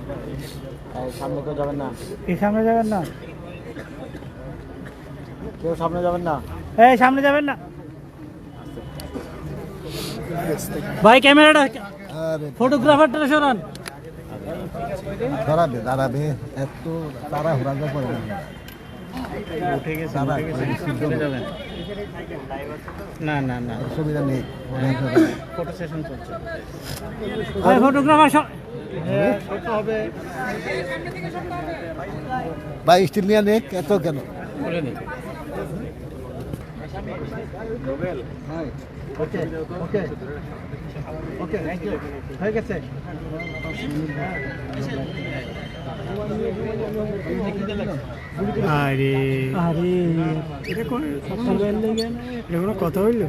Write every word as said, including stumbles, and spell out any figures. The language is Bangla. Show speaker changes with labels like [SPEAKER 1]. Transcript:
[SPEAKER 1] সামনে কেউ যাবেন না,
[SPEAKER 2] এই সামনে যাবেন না,
[SPEAKER 1] কেউ সামনে যাবেন না,
[SPEAKER 2] এই সামনে যাবেন না ভাই। ক্যামেরাটা ফটোগ্রাফারটা সরান।
[SPEAKER 3] দাঁড়াবে দাঁড়াবে এত তারা হুরাজা করে
[SPEAKER 2] উঠে গেছে, চলে যাবেন। না না না,
[SPEAKER 3] অসুবিধা নেই।
[SPEAKER 2] ফটো সেশন চলছে। ভাই ফটোগ্রাফার হবে
[SPEAKER 3] ভাই স্টিল নিয়ে নেক এত কেন
[SPEAKER 2] বলে নি। ওকে ওকে ওকে, থ্যাংক ইউ, হয়ে গেছে। আরে আরে এটা কোন এটা কোনো কথা হইল?